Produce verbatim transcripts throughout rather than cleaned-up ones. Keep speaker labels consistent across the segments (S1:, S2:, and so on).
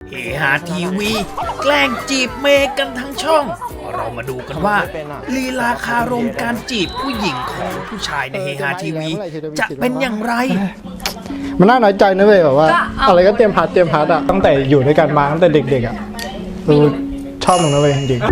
S1: เฮฮาทีวีแกล้งจีบเมย์กันทั้งช่องเรามาดูกันว่าลีลาคารมการจีบผู้หญิงของผู้ชายในเฮฮาทีวีจะเป็นอย่างไร
S2: มันน่าน้อยใจนะเว้ยแบบว่าอะไรก็เตรียมพัดเตรียมพัดอะตั้งแต่อยู่ด้วยกันมาตั้งแต่เด็กๆอะดูชอบมึงนะเว้ยจริง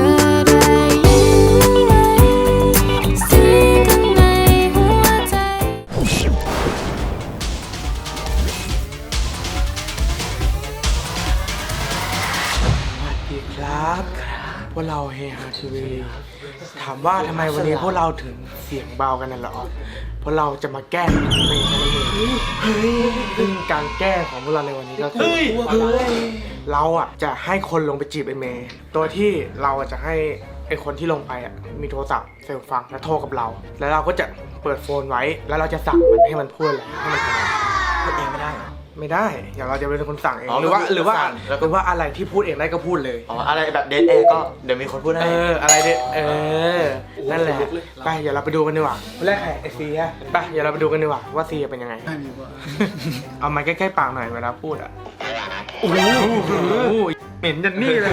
S3: ครับพวกเราเฮฮาทีวีถามว่าทำไมวันนี้พวกเราถึงเสียงเบากันน่ะหรอเพราะเราจะมาแกล้งเมย์กันเองซึ่งการแกล้งของพวกเราในวันนี้ก็คือเราอ่ะจะให้คนลงไปจีบไอเมย์ตัวที่เราจะให้ไอคนที่ลงไปอ่ะมีโทรศัพท์เซลฟังแล้วโทรกับเราแล้วเราก็จะเปิดโฟนไว้แล้วเราจะสั่งมันให้มันพูดอะไรให้มันทำพูดเองไม่ได้ไม่ได้เดี๋ยวเราจะเป็นคนสั่งเองหรือว่าหรือว่าหรือว่าอะไรที่พูดเองได้ก็พูดเลย
S4: อ๋ออะไรแบบเดทแอร์ก็เดี๋ยวมีคนพูดให้
S3: เอออะไรเด็ดเออนั่นแหละไปเดี๋ยวเราไปดูกันดีกว่าคนแรกใครไอซีอะไปเดี๋ยวเราไปดูกันดีกว่าว่าซีเป็นยังไงเอาไม้ใกล้ๆปากหน่อยเวลาพูดอ่ะโอ้โหเหม็นจังนี่เลย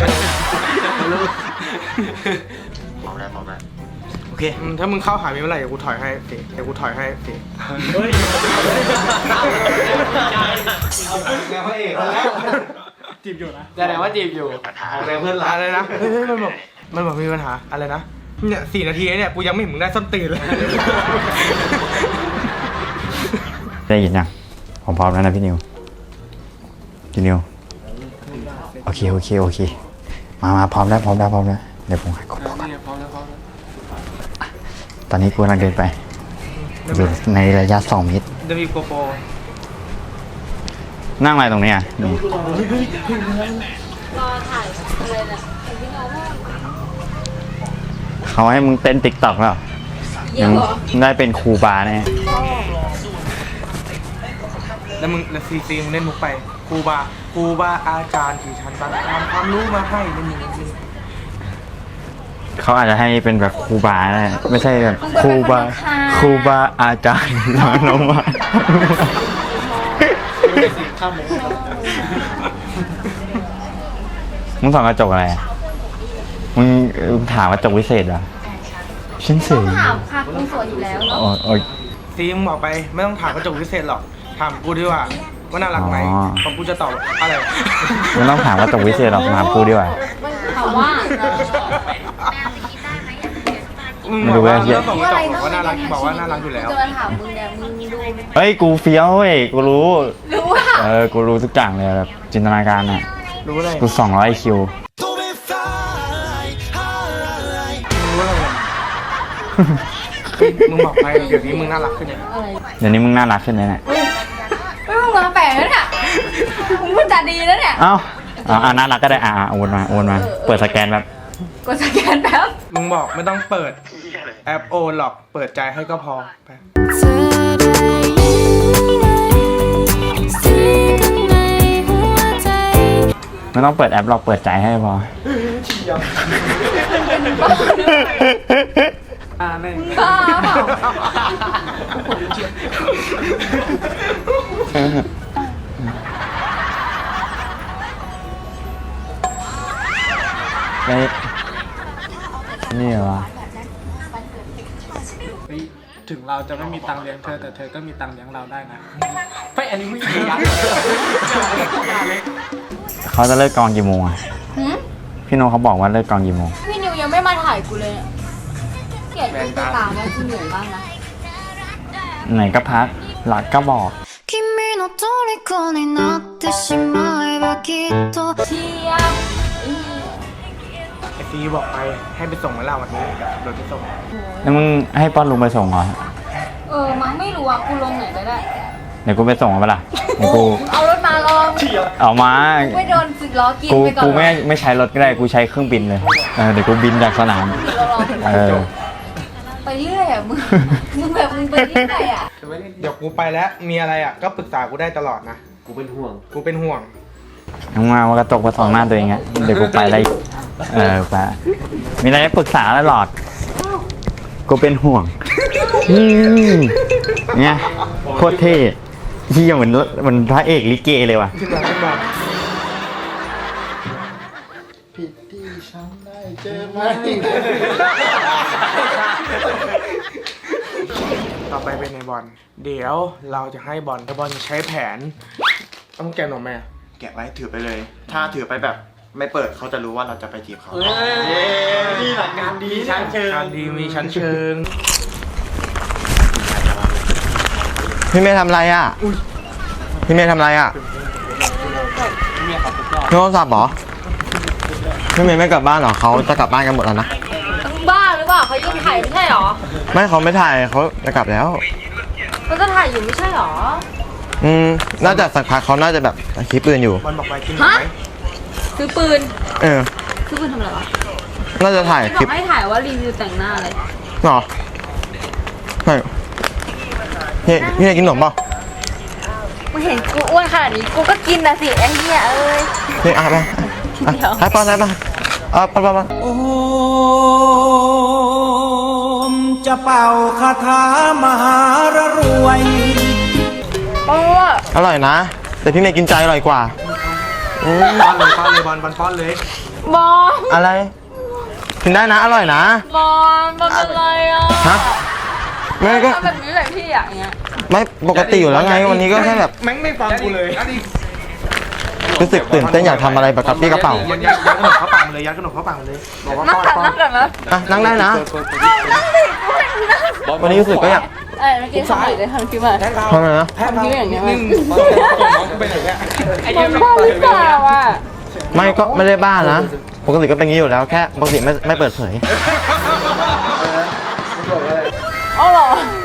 S4: มองได้มองได้โอเค
S3: ถ้ามึงเข้าหามีเมื่อไหร่เดี๋ยวกูถอยให้สิเดี๋ยวกูถอยให้สิเฮ้ยแล้วพระเอกแล้วจีบอยู่นะแต่ไหนว่าจีบอยู่อะไรเพื่อนรักอะไรนะเฮ้ยมันบอกมันบอกมีปัญหาอะไรนะเนี่ยสี่นาทีเนี่ยกูยังไม่เห็นมึงได้ส้นตีนเลย
S5: ได้ยินยังผมพร้อมแล้วนะพี่นิวพี่นิวโอเคโอเคโอเคมามาพร้อมแล้วพร้อมแล้วพร้อมแล้วเดี๋ยวผมให้กดตอนนี้กูกำลังเดินไปอยู่ในระยะสองเมตร
S3: เดี๋ยวมีโกโปร
S5: นั่งอะไรตรงนี้อ่ะนี่
S6: รอถ่ายอะไรนะพี่น้องว่า
S5: เขาให้มึงเต้นติ๊กต็อกแล้วยังได้เป็นครูบาเนี่ย
S3: แล้วมึงแล้วซีซีมึงเล่นมุกไปครูบาครูบาอาจารย์ที่ฉันบังคับความรู้มาให้นี่นี่
S5: เขาอาจจะให้เป็นแบบครูบานะไม่ใช่แบบครูบาครูบาอาจารย์น้องมามึงส่องกระจกอะไรอ่ะมึงถามกระจกวิเศษเหรอฉันเสีย
S6: ถามค่ะคุณสวยอยู่แล้วเนาะ
S3: ซีมึงบอกไปไม่ต้องถามกระจกวิเศษหรอกถามกูดีกว่าว่าน่ารักไหมของกูจะตอบอะไร
S5: ไม่ต้องถามกระจกวิเศษหรอกถามกูดีกว่า
S6: ถามว่า
S5: ไม่รู้ว่าเฮีย
S3: บอกว่าน่ารักบอกว่าน่ารักอยู่แล้ว
S6: จะมาถามมึงเนี่ยมึงดู
S5: เฮ้ยกูเฟี้ยวเว้ยกูรู้
S6: รู้ว่า
S5: เออกูรู้ทุกอย่างเลยแบบจินตนาการอ่ะ
S3: รู้อะไร
S5: กูสองร้อยคิว
S3: มึงบอกไปเดี๋ยวนี้มึงน่ารักขึ้นเนี่ย
S5: เดี๋ยวนี้มึงน่ารักขึ้นเลยเนี่ย
S6: ไม่มึงมาแปลกแล้วเนี่ยมึงพูดจาดีแล้วเนี่ย
S5: เอ้าอ่าน่ารักก็ได้อ่าโอนมาโอนมาเปิดสแกนแบบ
S6: กดสแกนแป๊บ
S3: มึงบอกไม่ต้องเปิดแอปโอนหรอกเปิดใจให้ก็พอไป
S5: ไม่ต้องเปิดแอปหรอกเปิดใจให้พอ
S3: อ่าแม่ง
S6: บ้าเปล่า
S5: ไอ้นี่เหรอ
S3: ถึงเราจะไม่มีตังค์เลี้ยงเธอแต่เธอก็มีตังค์เลี้ยงเราได้นะเฮ้ยอันนี้ไม่ดีนะ
S5: เขาจะเลิกกองกี่โมงอ่ะพี่โนเขาบอกว่าเลิกกองกี่โมง
S6: พี่นิวยังไม่มาถ่ายกูเลยเกลียดกูตามแล้วกูเหนื่อยมากนะ
S5: ไหนก็พักหลักก็บอก
S6: เชียบ
S3: ไอซีบอกไปให้ไปส่งมาเราวันนี้โดยไปส่ง
S5: แล้วมึงให้ป้อนลุงไปส่งเหรอ
S6: เออมั้งไม่รู้อ่ะกูลงไหนก็ได้
S5: เดี๋ยวกูไปส่งมาปะล่ะเดี๋ยวกู
S6: เอารถมาลอง
S5: เอามา
S6: ไม่โดนสิบล้อกิน
S5: กู
S6: ไปก่อน
S5: กูไม่ไม่ใช้รถก็ได้กูใช้เครื่องบินเลยเออเดี๋ยวกูบินจากสนามเออ
S6: ไปเรื่อยอ่ะมึงมึงแบบมึงไปเรื่อยอ่ะ
S3: เดี๋ยวกูไปแล้วมีอะไรอ่ะก็ปรึกษากูได้ตลอดนะ
S4: กูเป็นห่วง
S3: กูเป็นห่วง
S5: น้องมาว่ากระจกมาส่องหน้าตัวเองอ่ะเดี๋ยวกูไปอะไรเออไปมีอะไรปรึกษาตลอดกูเป็นห่วงเนี่ยโคตรเท่ที่เหมือนเหมือนพระเอกลิเกเลยว่ะ
S2: เจอไหม
S3: ต่อไปเป็นในบอลเดี๋ยวเราจะให้บอลบอลใช้แผนต้องแกะหนมไหม
S4: แกะไว้ถือไปเลย ถ้าถือไปแบบไม่เปิดเขาจะรู้ว่าเราจะไปจีบเขานี่หลักการดีชั้นเชิง
S3: การดีมีชั้นเชิง
S5: พี่เมย์ทำอะไรอ่ะพี่เมย์ทำอะไรอ่ะโทรศัพท์เหรอพี่เมย์ไม่กลับบ้านเหรอเขาจะกลับบ้านกันหมดแล้วนะ
S6: บ้าหรือเปล่าเขายังถ่ายไม่ใช่หรอ
S5: ไม่เขาไม่ถ่ายเขาจะกลับแล้ว
S6: เขาจะถ่ายอยู่ไม่ใช่หรอ
S5: อืมน่าจะสักพักเขาน่าจะแบบคลิปปืนอยู่
S3: บอลบอกไปกินหนมไหม
S6: ซื้อปืน
S5: เออ
S6: ซื้อปืนทำอะไรวะ
S5: น่าจะถ่าย
S6: ที่บ
S5: คลิ
S6: อ
S5: ป
S6: กให้ถ่ายว่ารีวิวแต่งหน้าอะไร
S5: หรอไม่พี่พี่จะกินขนมเปล่า
S6: มึงเห็นกูอ้วนขนาดนี้กูก็กินนะสิไอ้เหี้ยเอ้ย
S5: พี่อ่ะไปอ่ะให้ป้อนให้ป้อนเออป้อนป้อนป้อน
S1: โอมจะเป่าคาถามหารรวย
S6: โอ้
S5: อร่อยนะ แต่พี่เมย์กินใจอร่อยกว่าอืม
S3: ป้อนเลยป้อนเลยบอลบอลป้อนเลย
S6: บอล
S5: อะไรกินได้นะอร่อยนะ
S6: บอลบอลเป็นไรอ่ะ
S5: ฮะไม่ก็
S6: ทำแบบนี้แหละพี่อ่ะอย่างเงี้ย
S5: ไม่ปกติอยู่แล้วไงวันนี้ก็แค่แบบ
S3: แม่งไม่ฟังกูเลย
S5: รู้สึกตื่นเต้นอยากทำอะไรแบบกับพี่กระเป๋า
S3: ยัดยัดยัดขนมเข้าปากมันเลยยัดขนมเข้าปากมันเลยบอกว่า
S6: นั่ง
S3: ป้อน
S6: ก่อน
S3: ป้อ
S6: นั่
S3: น
S6: งก่อนนะ
S5: อ่ะนั่งได้นะ
S6: นั่งดิกูเห็นนั่ง
S5: วันนี้รู้สึกก็อยาก
S6: เอ้ยเมื่อกี้ทำอะไรเลยทำคลิปมา
S3: แทงเขา
S5: ทำไมนะ
S3: แทงเขา
S6: ทำนิ้วอย่างเงี้ย
S3: นิ่งๆส่งส่งน้องกูไปไหนเนี่ยไอ้เหี้ย
S6: มันบ้าหรือเปล่าอ่ะ
S5: ไม่ก็ไม่ได้บ้านะปกติก็เป็นอย่างนี้อยู่แล้วแค่ปกติไม่ไม่เปิดเผย
S6: อ๋อเหรอ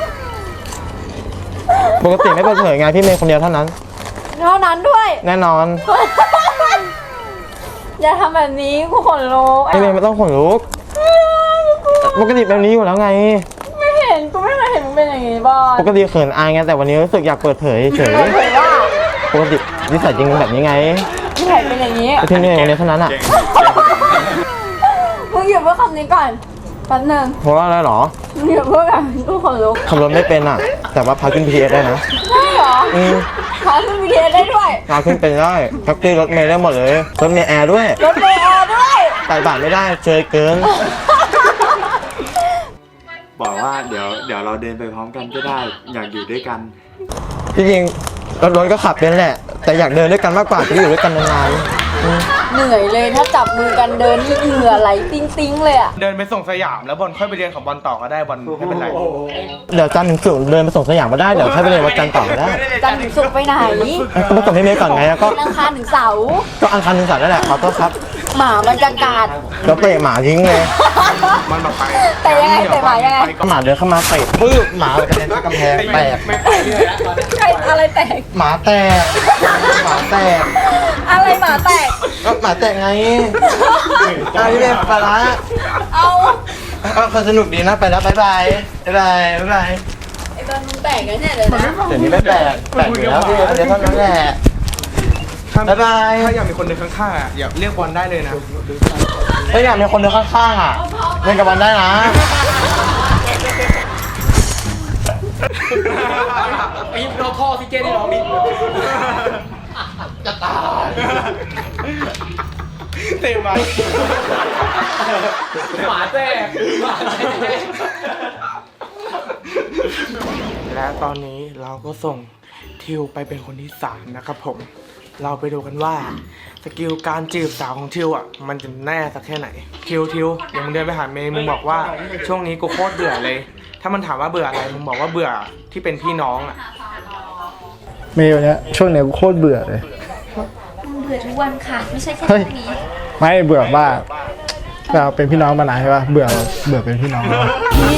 S5: ปกติไม่เปิดเผยไงพี่เมย์คนเดียวเท่านั้น
S6: เท่านั้นด้วย
S5: แน่นอน
S6: อย่าทำแบบนี้กูขนลุก
S5: พี่เมย์ไม่ต้องขนลุกปกติแบบนี้อยู่แล้วไง
S6: ไม่เห็นกูไม่เคยเห็นมึงเป็นอย่างนี้บอล
S5: ปกติเขินอายไงแต่วันนี้รู้สึกอยากเปิดเผยเฉย
S6: เปิดเผยว่า
S5: ปกตินิสัยจริงเป็นแบบนี้ไง
S6: ไม่เห็นเป็นอย่างนี้
S5: แต่พี่เมย์วันนี้เท่านั้นอ่ะ
S6: มึงหยุดเพื่อคำนี้ก่อนแป๊บนึง
S5: เพราะว่าอะไรหรอ
S6: มึงหยุดเพื่อแบบกูขนลุก
S5: ขับรถไม่เป็นอ่ะ แต่ว่าพาขึ้น พี เอส ได้นะ
S6: ใช่เหรอ
S5: อืม
S6: ขอขึ้นวีดีโอได้ด้วย
S5: พาขึ้นเป็นได้แท็กซี่รถเมล์ได้หมดเลยรถเมล์แอร์ด้วย
S6: รถเมล์แอร์ด้วย
S5: ใส่บาทไม่ได้เจอเกิน
S4: บอกว่าเดี๋ยวเดี๋ยวเราเดินไปพร้อมกันก็ได้ อยากอยู่ด้วยกัน
S5: จริงๆรถรถก็ขับเป็นแหละ แต่อยากเดินด้วยกันมากกว่าจะได้อยู่ด้วยกันนานๆอืม
S6: เหนื่อยเลยถ้าจับมือกันเดินนี่เหงื่อไหลติ้งๆเลยอ่ะ
S3: เดินไปส่งสยามแล้วบอลค่อยไปเรียนของบอลต่อก็ได้บอลไม่เป็นไร
S5: เดี๋ยวจันทร์ถึงศุกร์เดินไปส่งสยามมาได้เดี๋ยวค่อยไปเรียนวันจันทร์ต่อก็ได้
S6: จันทร์ถึงศุกร์ไปไหน
S5: ก็มาส่งพี่เมย์ก่อนไงแล้วก็
S6: วันอังคารถึงเสาร์
S5: ก็อังคารถึงเสาร์นั่นแหละขอโทษครับ
S6: หมามันจะกัด
S5: แล้วเตะหมาทิ้งเลย
S3: มันบอกไป
S6: แต่ยังไงแต่หมายังไง
S5: หมาเดินเข้ามาเตะปื้บหมากระเด็นเข้ากำแพงแตก
S3: ไม่ไปเรื่อยแล้วตอนนี้
S6: ใครอะไรแตก
S5: หมาแตกหมาแตก
S6: อะไรหมาแตก
S5: ก็หมาแตกไงอ่ะพี่เมย์ไปละ
S6: เอา
S5: เออคนสนุกดีนะไปแล้วบ๊ายบายบ๊ายบายบ๊ายบาย
S6: ไอ้บอลมึงแตกกันเนี่ยเลยนะ
S5: เดี๋ยวนี้ไม่แปลกแปลกอยู่แล้วพี่เดี๋ยวเท่านั้นแหละ
S3: ถ้า
S5: บ๊ายบาย
S3: ถ้าอยากมีคนเดินข้างๆอ่ะอย่าเรียกบอลได้เลยนะ
S5: ถ้าอยากมีคนเดินข้างๆอ่ะเล่นกับมันได้นะ
S3: ไอ้เราท่อซิเจนที่ร้องนี่จะตายเต็มไปหมาแท้หมาแท้และตอนนี้เราก็ส่งทิวไปเป็นคนที่สามนะครับผม เราไปดูกันว่าสกิลการจีบสาวของทิวอ่ะมันจะแน่สักแค่ไหนทิวทิวเดี๋ยวมึงเดินไปหาเมย์มึงบอกว่าช่วงนี้กูโคตรเบื่อเลย ถ้ามันถามว่าเบื่ออะไรมึงบอกว่าเบื่อที่เป็นพี่น้องอ่ะ
S2: เมย์วันเนี้ยช่วงเนี้ยกูโคตรเบื่อเลย
S6: มึงเบื่อทุกวันค่ะ ไม่ใช่แค่
S2: เฮ้ย
S6: ช่วงนี้
S2: ไม่เบื่อบ้าเราเป็นพี่น้องมานานใช่ป่ะเบื่อเบื่อเป็นพี่น้องแล้ว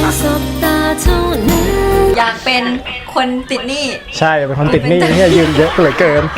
S6: อยากเป็นคนติดหนี้
S2: ใช่เป็นคนติดหนี้เนี่ยยืมเยอะเหลือเกิน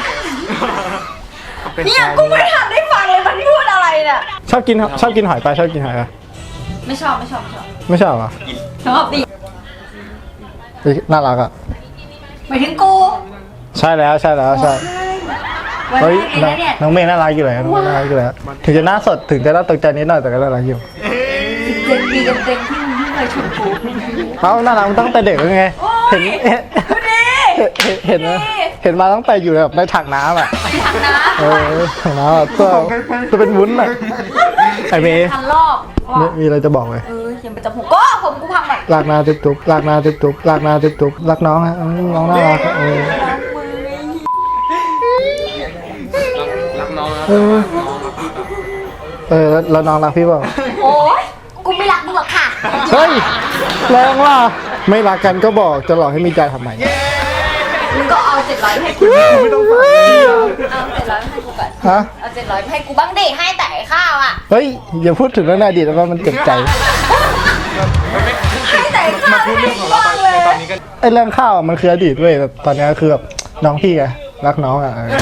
S6: เนี่ยกูไม่ทันได้ฟังเลยมันพูดอะไรเนี่ย
S2: ชอบกินชอบกินหอยปลาชอบกินหอยปะ
S6: ไม่ชอบไม่ชอบไม่ชอบ
S2: ไม่ชอบเหรอ
S6: ชอบดิ
S2: เฮ้ยน่ารักอ่ะ
S6: หมายถึงกู
S2: ใช่แล้วใช่แล้วใช่
S6: วัน
S2: เฮ้ย
S6: แรกเลยนะเนี่ย
S2: น้องเมย์น่ารักอยู่แล้วน้องเมย์น่ารักอยู่แล้วถึงจะหน้าสดถึงจะหน้าตกใจนิดหน่อยแต่ก็น่ารักอยู่
S6: เต็มปีเต็มเต็มที่มึงที่เคยชมกู
S2: เขาน่ารักตั้งแต่เด็กแล้วไงเห็นเห็น
S6: ดูดิ
S2: เห็นเห็นนะเห็นมาตั้งแต่อยู่แบบในถังน้ำอ่ะ
S6: ไปทางน้
S2: เออถังน้ำอ่ะตัวตัวเป็นวุ้นอ่ะ
S6: ำ
S2: ไอเมย์
S6: พันรอบว่ะ
S2: มีอะไรจะบอกไหม
S6: เอออย่าไปจับผมก็ผมกูพังแบบ
S2: ลากนาจุ๊บจุ๊บลากนาจุ๊บจุ๊บลากนาจุ๊บจุ๊บรักน้องฮะอืมน้องน่ารักอะเออ
S6: รักมือ
S2: เออเออแล้วแล้วน้องรักพี่เปล่า
S6: โอ๊ยกูไม่รักมึงหรอกค่ะ
S2: เฮ้ยแรงว่ะไม่รักกันก็บอกจะหลอกให้มีใจทำไม
S6: มึงก็เอาเจ็ดร้อยให้กู
S2: ไม่ต้องฟัง
S6: เอาเจ็ดร้อยให้กูก่อน
S2: ฮะ
S6: เอาเจ็ดร้อยให้กูบ้างดิให้แต่ไอ้ข้าวอ่ะ
S2: เฮ้ยอย่าพูดถึงเรื่องในอดีตแล้วมันเจ็บใจ
S6: ให้แต่ไอ้ข้าวให้กูบ้างเลย
S2: ไอ้เรื่องข้าวอะมันคืออดีตเว้ยแต่ตอนนี้คือแบบน้องพี่ไงรักน้องอ่ะเออ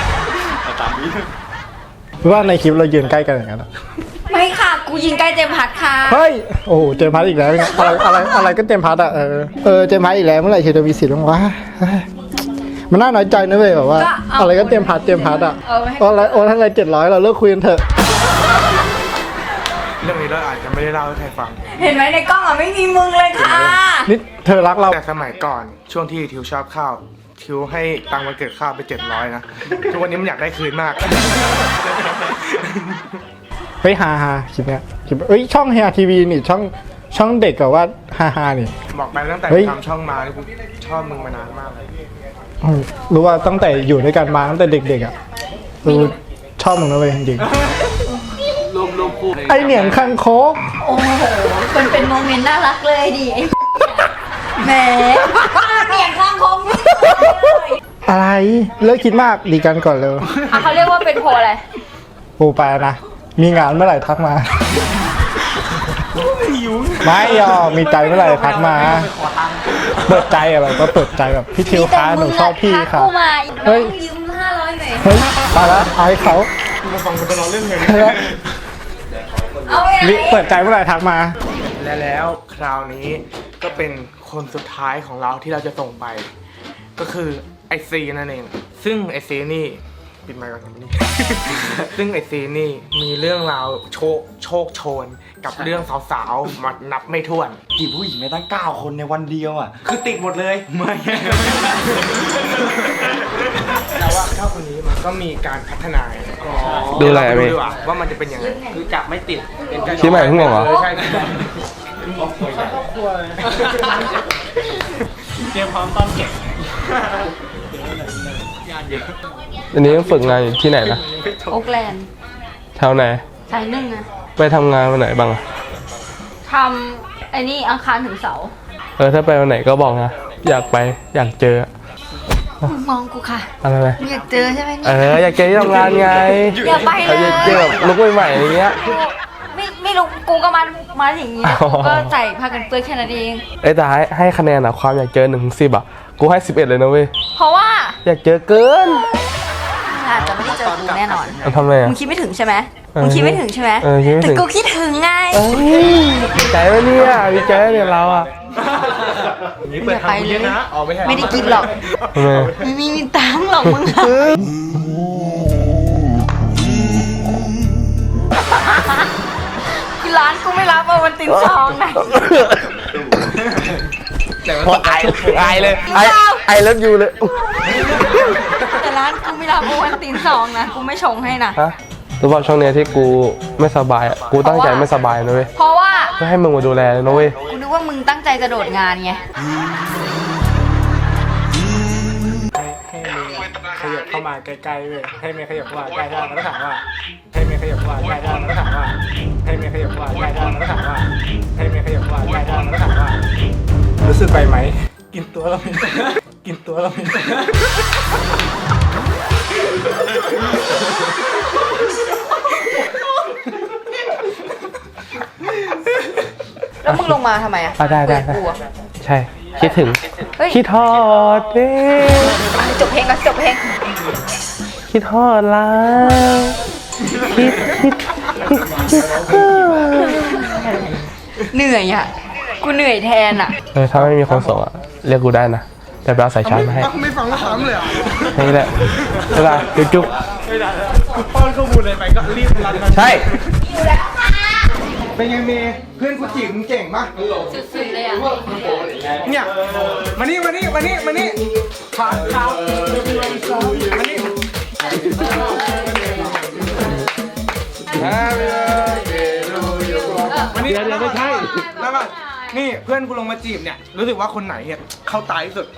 S2: หรือว่าในคลิปเรายืนใกล้กันอย่างนั้นอะ
S6: ไม่ค่ะกูยิงใกล้เจมส์พัดค่ะ
S2: เฮ้ยโอ้โหเจมส์พัทอีกแล้วไงอะไรอะไรอะไรก็เจมส์พัทอ่ะเออเออเจมส์พัทอีกแล้วเมื่อไหร่เชจะมีสิทธิ์บ้างวะเฮ้ยมันน่าน้อยใจนะเว้ยแบบว่า อะไรก็เจมส์พัทเจมส์พัทอ่ะโอ้อะไรโอ้ถ้าอะไรเจ็ดร้อยเราเลิกคุยกันเถอะ
S3: เรื่องนี้เราอาจจะไม่ได้เล่าให้ใครฟัง
S6: เห็นไหมในกล้องอ่ะไม่มีมึงเลยค่ะ
S2: นี่เธอรักเรา
S3: แต่สมัยก่อนช่วงที่ทิวชอบข้าวทิวให้ตังค์วันเกิดข้าวไปเจ็ดร้อยนะทุกวันนี้มันอยากได้คืนมาก
S2: เฮ้ยฮาฮาคลิปเนี้ยคลิปเอ้ยช่องเฮียทีวีนี่ช่องช่องเด็กกับว่าฮาฮานี่
S3: บอกไปตั้งแต่
S2: เฮ้ย
S3: ทำช่องมานี่กูชอบมึงมานานมากเลย
S2: อืมรู้ว่าตั้งแต่อยู่ด้วยกันมาตั้งแต่เด็กๆอ่ะเออชอบมึงนะเว้ยจริงๆไอเหนียงคังคก
S6: โอ้โหมันเป็นโมเมนต์น่ารักเลยดิไอ้แหมเสียงข้างคม
S2: อะไรเลิกคิดมากดีกันก่อนเลย
S6: อ่ะเขาเรียกว่าเป็นโพอะไร
S2: โอ้ไปนะมีงานเมื่อไหร่ทักมาไม่ยอมมีใจเมื่อไหร่ทักมาเปิดใจอะไรก็เปิดใจแบบพี่ทิวคะหนูชอบพี่ค่ะ
S6: กูมา
S2: เฮ้ย
S6: ยืมห้าร้อยหน่อย
S2: เฮ้ยไปแล้วอายเขา
S3: มาฟังกันตลอดเรื่องเพลง
S6: เอาไปไหน
S2: เปิดใจเมื่อไหร่ทักมา
S3: และแล้วคราวนี้ก็เป็นคนสุดท้ายของเราที่เราจะส่งไป ก็คือไอซีนั่นเองซึ่งไอซีนี่ปิดไมค์ก่อนครับนี่ ซึ่งไอซีนี่มีเรื่องราวโชคโชคโชนกับเรื่องสาวๆมานับไม่ถ้วน
S4: จีบผู้หญิงไม่ตั้งเก้าคนในวันเดียวอ่ะ
S3: คือติดหมดเลย
S4: ไม่
S3: แต่ว่าเท่าคนนี้มันก็มีการพัฒนา
S7: ดูอะไร
S3: เา
S7: อะ
S3: ป
S7: เม
S3: ดู
S7: ย์
S3: ดีกว่าว่ามันจะเป็นยังไงคือจับไม่ติดเป็นการ
S7: ชี้ใหม่เพิ่งบอกเหรอ
S3: ใช่
S7: อันนี้ต้องฝึกงานอยู่ที่ไหนนะ
S6: โอ๊กแลนด์
S7: แถวไหน
S6: สายหนึ่งอะ
S7: ไปทำงานวันไหนบ้างอะ
S6: ทำไอ้นี่อังคารถึงเสาร์
S7: เออถ้าไปวันไหนก็บอกนะ อยากไปอยากเจอ
S6: มึงมองกูค่ะ
S7: อะไรไหม
S6: มึงอยากเจอใช่ไหม
S7: เอ
S6: เนี่ย
S7: ออยากเจอที่ทำงานไง
S6: อย่าไปเลย
S7: อยากเจอแบบลุกใหม่ๆอย่างเงี้ย
S6: กูไม่ไม่รู้กูก็มามาอย่างนี้
S7: อ๋อ
S6: กูก็ใส่ผ้ากันเปื้อนแค่นั้นเอง
S7: เอ้ยแต่ให้ให้คะแนนอะความอยากเจอหนึ่งถึงสิบอะกูให้สิบเอ็ดเลยนะเว้ย
S6: เพราะว่า
S7: อยากเจอเกิน
S6: อาจจะไม่ได้เจอกูแน่นอน
S7: มันทำไมอะ
S6: มึงคิดไม่ถึงใช่ไหม
S7: เออ
S6: มึงคิดไม่ถึงใช่ไหม
S7: เออคิดไม่ถึ
S6: แต่
S7: ง
S6: กูคิดถึงไง
S7: เอ้ยดีใจวะเนี่ยดีใจวะเนี่ยเราอะ
S3: นี่เปิดทางเยอะนะอ๋อไม่ใช่
S6: ไม่ได้กินหรอก
S7: ทำไม
S6: ไม่มีมีตังค์หรอกมึงอะคือร้านกูไม่รับเอาวันตินซองนะ
S7: พอไอไอเลยไอไอเลิฟยูเลย
S6: แต่ร้านกูไม่รับเอาวันตินซองนะกูไม่ชงให้นะ
S7: ฮะรู้ป่ะช่วงเนี้ยที่กูไม่สบายอ่ะ กูตั้งใจไม่สบายนะเว้ย
S6: เพราะว่า
S7: เพื่อให้มึงมาดูแลเลยนะเว้ย
S6: กูนึกว่ามึงตั้งใจจะโดดงานไง
S2: ให้เมย์ขยับเข้ามาใกล้ๆเว้ยให้เมย์ขยับเข้ามาใกล้ได้แล้วก็ถามว่าให้เมย์ขยับเข้ามาใกล้ได้แล้วก็ถามว่าให้เมย์ขยับเข้ามาใกล้ได้แล้วก็ถามว่าให้เมย์ขยับเข้ามาใกล้ได้แล้วก็ถามว่ารู้สึกไปไหมกินตัวเราไม่ได้กินตัวเราไม่ได้
S6: แล้วมึงลงมาทำไมอะ
S7: อ่ะได้ได้ได้
S6: กูอะ
S7: ใช่ คิดถึง
S6: เฮ้ย
S7: คิดทอดเด้
S6: จบเพลงก่อนจบเพลง
S7: คิดทอดแล้วคิดคิดคิดคิดทอด
S6: เหนื่อยอ่ะ กูเหนื่อยแทนอ่ะ
S7: เออถ้าไม่มีคนส่งอ่ะ เรียกกูได้นะ แต่ไปเอาสายชาร์จมาให้
S3: ไม่ฟังก็ถามเลยอ่ะ
S7: นี่แหละเวลาจุ๊บจุ๊บ
S3: ป้อนข้อมูลอะไรไปก็รีบรันนะ
S7: ใช่
S3: เป็นไงเมย์เพื่อนกูจีบมึงเก่งปะ
S6: สุดๆเลยอ่ะ
S3: เนี่ยมานี่มานี่มานี่มานี่ขาขามานี่ Happy birthday นี่
S7: เดี๋ยวเดี๋ยวไม่ใช่
S3: แล้วก่อนนี่เพื่อนกูลงมาจีบเนี่ยรู้สึกว่าคนไหนเนี่ยเข้าตายที่สุด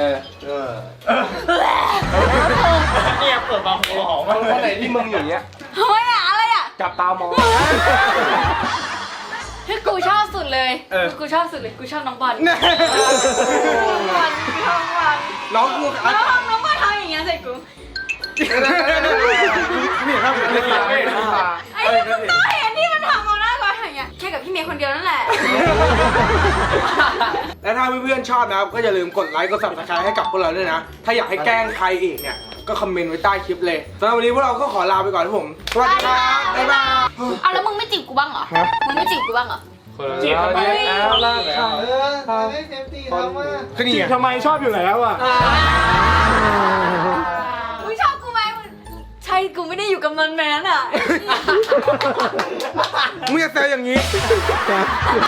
S4: เนี่ยเปิดมาหัวหอม
S3: คนไหนที่มึงอย่างเงี้ย
S6: เฮ้ยอะอะไรอ่ะ
S3: จับตามอง
S6: ที่กูชอบสุดเลย
S3: เออ
S6: กูชอบสุดเลยกูชอบน้องบอล
S3: เนี่ย
S6: น้องบอลกูชอบน้องบอล
S3: น้องกู
S6: น้องน้องบอลทำอย่างเงี้ยใส่กู
S3: นี่ครับเป็นตาเป็นตา
S6: ไอ้ที่มึงต้องเห็นที่มันทำเอาหน้าก่อนอย่างเงี้ยแค่กับพี่เมย์คนเดียวนั่นแหละ
S3: และถ้าเพื่อนๆชอบนะครับก็อย่าลืมกดไลค์กด ซับสไครบ์ให้กับพวกเราด้วยนะ ถ้าอยากให้แกล้งใครอีกเนี่ยก็คอมเมนต์ไว้ใต้คลิปเลยสำหรับวันนี้พวกเราก็ขอลาไปก่อนครับผมสวัสดีครับบ๊ายบาย
S6: เอาแล้วมึงไม่จีบกูบ้างเหรอ มึงไม่จีบกูบ้างเหรอ
S2: จีบทำไมแล้วล่ะ
S4: เออไม่เซฟตี้แล้วมา
S3: คือนี่
S2: จีบ
S3: ไง
S2: ทำไมชอบอยู่แล้วอ่ะ
S6: มึงชอบกูไหมมึงใช่กูไม่ได้อยู่กับนนแมนอ่ะ
S3: มึงจะแซวอย่างนี้